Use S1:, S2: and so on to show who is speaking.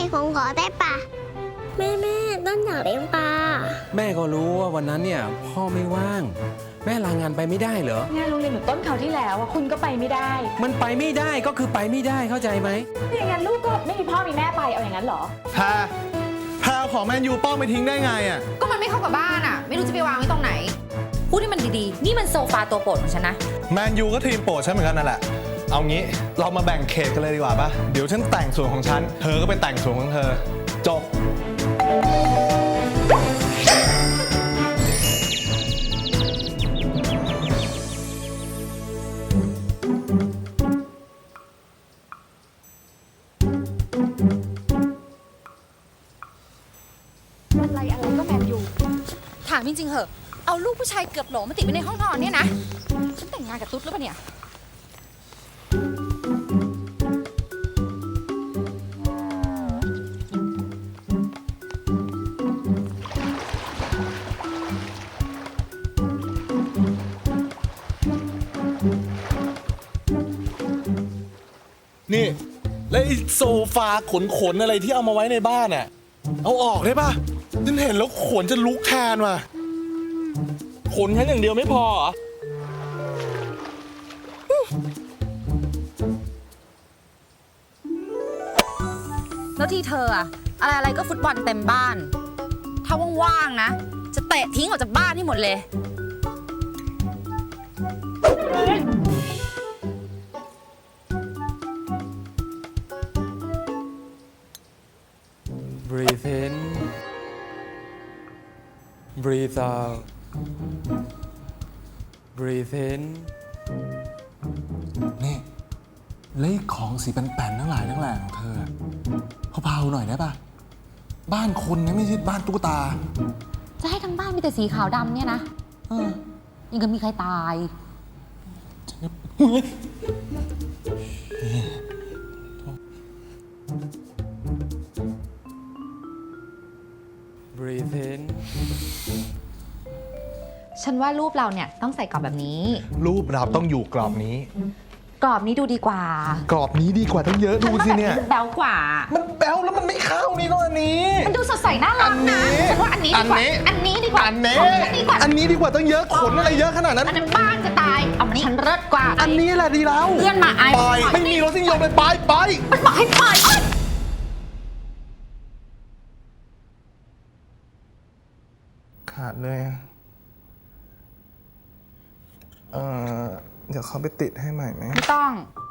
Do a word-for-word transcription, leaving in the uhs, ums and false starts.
S1: ผมขอได้ปะแม่แม่ต้นอยากเลี้ยงปลา
S2: แม่ก็รู้ว่าวันนั้นเนี่ยพ่อไม่ว่างแม่ลางานไปไม่ได้เหรอง
S3: านโรงเรียนหนูต้นเขาวที่แล้วคุณก็ไปไม่ได้
S2: มันไปไม่ได้ก็คือไปไม่ได้เข้าใจไหม
S3: อย่างนั้นลูกก็ไม่มีพ่อมีแม่ไปเอาอย่างนั้นเหรอ
S4: แพรแพรของแมนยูป้องไปทิ้งได้ไงอ่ะ
S5: ก็มันไม่เข้ากับบ้านอ่ะไม่รู้จะไปวางไว้ตรงไหนพูดให้มันดีๆนี่มันโซฟาตัวโปรดของฉันนะ
S4: แมนยูก็ทีมโปรดฉันเหมือนกันนั่นแหละเอางี้เรามาแบ่งเขตกันเลยดีกว่าปะเดี๋ยวฉันแต่งส่วนของฉันเธอก็ไปแต่งส่วนของเธอจบ
S3: อะไรอะไรก็แมนยู
S5: ถามจริงๆเหอะเอาลูกผู้ชายเกือบโหลมาติดไว้ในห้องนอนเนี่ยนะฉันแต่งงานกับตุ๊ดหรือเปล่าเนี่ย
S4: นี่แล้วไอ้โซฟาขนๆอะไรที่เอามาไว้ในบ้านอ่ะเอาออกได้ปะฉันเห็นแล้วขนจะลุกแทนว่ะขนฉันอย่างเดียวไม่พอเหรอ
S5: แล้วที่เธออะอะไรอะไรก็ฟุตบอลเต็มบ้านถ้าว่างๆนะจะเตะทิ้งออกจากบ้านให้หมดเลย
S2: breathe in breathe out breathe in
S4: นี่เลขของสีแป่นๆทั้งหลายทั้งแหล่ของเธอเบาๆหน่อยได้ปะบ้านคนนะไม่ใช่บ้านตุ๊กตา
S5: จะให้ทั้งบ้านมีแต่สีขาวดำเนี่ยนะเออยังก็มีใครตาย
S2: breathe in
S5: ฉันว่ารูปเราเนี่ยต้องใส่กรอบแบบนี้
S4: รูปเราต้องอยู่กรอบนี้
S5: กรอบนี้ดูดีกว่าก
S4: รอบนี้ดีกว่าตั้งเยอะดูสิเนี่ย
S5: มันแบ๊วกว่า
S4: มันแบ๊วแล้วมันไม่เข้านี่ก็อันนี้
S5: มันดูสดใสน่ารักนะฉันว่าอันนี้ดีกว่าอันนี้ดีกว่า
S4: อันนี้
S5: อันนี้ดีกว่า
S4: อันนี้ดีกว่าตั้งเยอะขนอะไรเยอะขนาดนั้น
S5: อันนั้นบ้านจะตายเอาอันนี้ฉันเลิศกว่า
S4: อันนี้แหละดีแล้ว
S5: เพื่อนมาไอ้
S4: ไปไม่มีรสนิยมเลยไปไป
S5: มันบอกให้ไป
S4: ขาดเลยเออเดี๋ยวเขาไปติดให้ใหม่ไหม
S5: ไม่ต้อง